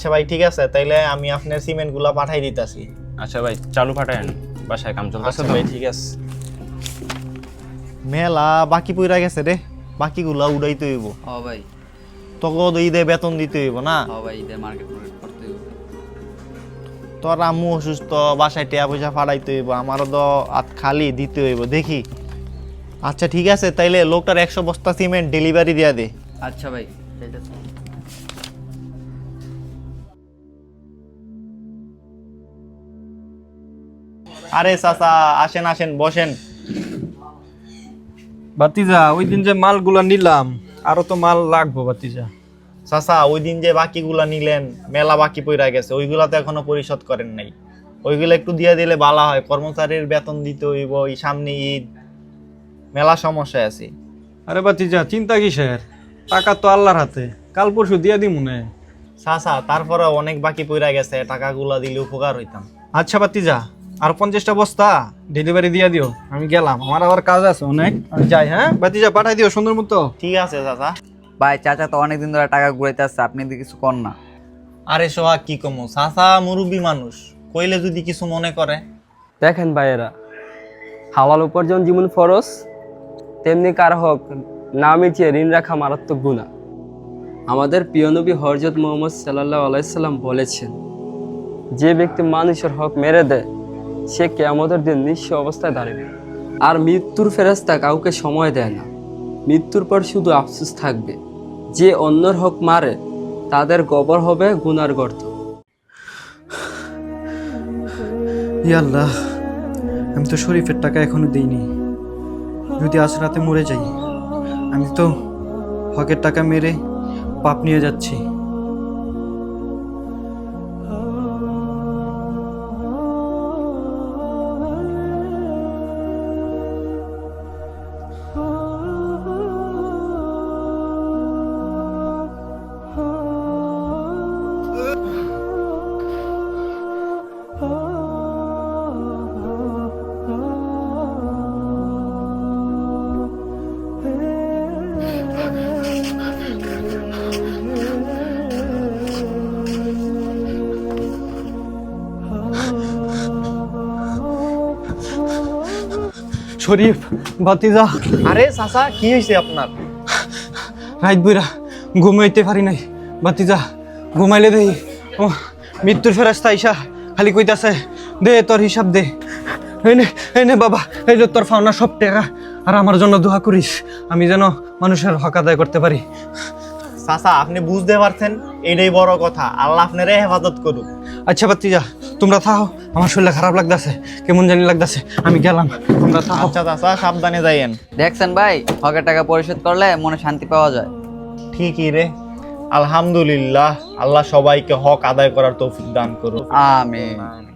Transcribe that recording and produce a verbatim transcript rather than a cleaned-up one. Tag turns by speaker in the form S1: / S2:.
S1: আচ্ছা ভাই ঠিক আছে, তাইলে আমি আপনার সিমেন্ট গুলা পাঠাই দিতেছি।
S2: আচ্ছা ভাই চালু পাঠায়েন, বাসায় কাম চলতেছে তো।
S1: ভাই ঠিক আছে। মেলা বাকি পইরা গেছে রে, বাকিগুলা উড়াইতে হইব।
S3: ও ভাই
S1: তোকে তো ঈদে বেতন দিতে হইব না?
S3: ও ভাই ঈদে মার্কেট মার্কেট করতে হবে।
S1: তোর আম্মু অসুস্থ, বাসায় টাকা পয়সা ফাড়াইতে হইব, আমারও তো হাত খালি দিতে হইব দেখি। আচ্ছা ঠিক আছে, তাইলে লোকটার একশো বস্তা সিমেন্ট ডেলিভারি দিয়া দে।
S3: আচ্ছা ভাই যাইতেছি।
S1: আরে চাচা আসেন আসেন বসেন।
S4: বাতিজা ওই দিন যে মালগুলা নিলাম আরো তো মাল লাগবো বাতিজা।
S1: চাচা ওই দিন যে বাকিগুলা নিলেন, মেলা বাকি পইরা গেছে, ওইগুলা তো এখনো পরিশোধ করেন নাই। ওইগুলো একটু দিয়ে দিলে ভালো হয়, কর্মচারীর বেতন দিতে হইব, এই সামনে ঈদ, মেলা সমস্যা আছে।
S4: আরে বাতিজা চিন্তা কিসের, টাকা তো আল্লাহর হাতে, কাল পরশু দিয়া দি মনে।
S1: চাচা তারপরে অনেক বাকি পইরা গেছে, টাকাগুলা দিলে উপকার হইতাম।
S4: আচ্ছা বাতিজা আর পঞ্চাশটা বস্তা ডেলিভারি দিয়া দিও, আমি গেলাম, আমার আবার কাজ আছে অনেক, আমি যাই। হ্যাঁ বাতিজা পাঠাই দিও সুন্দর মতো।
S1: ঠিক আছে চাচা।
S3: ভাই চাচা তো অনেকদিন ধরে টাকা ঘুরাইতে আসছে, আপনি যদি কিছু কর না।
S1: আরে সোহাগ কি কমো, চাচা মুরব্বী মানুষ, কইলে যদি কিছু মনে করে।
S5: দেখেন ভাইয়েরা, হালাল উপার্জন যেমন ফরজ, তেমনি কার হক না মিটিয়ে ঋণ রাখা মারাত্মক গুনাহ। আমাদের প্রিয় নবী হযরত মুহাম্মদ সাল্লাল্লাহু আলাইহি সাল্লাম বলেছেন, যে ব্যক্তি মানুষের হক মেরে দেয় সে কিয়ামতের দিন নিঃস্ব অবস্থায় দাঁড়াবে। আর মৃত্যুর ফেরেশতা কাউকে সময় দেয় না, মৃত্যুর পর শুধু আফসোস থাকবে। যে অন্যের হক মারে তাদের কবর হবে গুনার গর্ত।
S4: ইয়া আল্লাহ, আমি তো শরীফের টাকা এখনো দিইনি, যদি আজ রাতে মরে যাই আমি তো হকের টাকা মেরে পাপ নিয়ে যাচ্ছি। শরীফ বাতিজা,
S1: আরে চাচা কি হয়েছে আপনার?
S4: রাত বইরা ঘুমাইতে পারি নাই বাতিজা, ঘুমাইলে দেই ও মৃত্যুর ফেরেশতা আইসা খালি কইতাছে, দে তোর হিসাব দে, এনে এনে বাবা, এই যে তোর পাওনা সব টাকা, আর আমার জন্য দোয়া করিস আমি যেন মানুষের হক আদায় করতে পারি।
S1: চাচা আপনি বুঝতে পারছেন, এটাই বড় কথা, আল্লাহ আপনারে হেফাজত করুক।
S4: আচ্ছা বাতিজা তোমরা থাকো, আমার শরীরে খারাপ লাগতেছে, কেমন জানি লাগতেছে, আমি গেলাম, তোমরা থাকো।
S1: আচ্ছা চাচা সাবধানে যাইয়েন।
S3: দেখছেন ভাই, হকের টাকা পরিশোধ করলে মনে শান্তি পাওয়া যায়।
S1: ঠিকই রে, আলহামদুলিল্লাহ, আল্লাহ সবাইকে হক আদায় করার তৌফিক দান করুক।
S3: আমিন।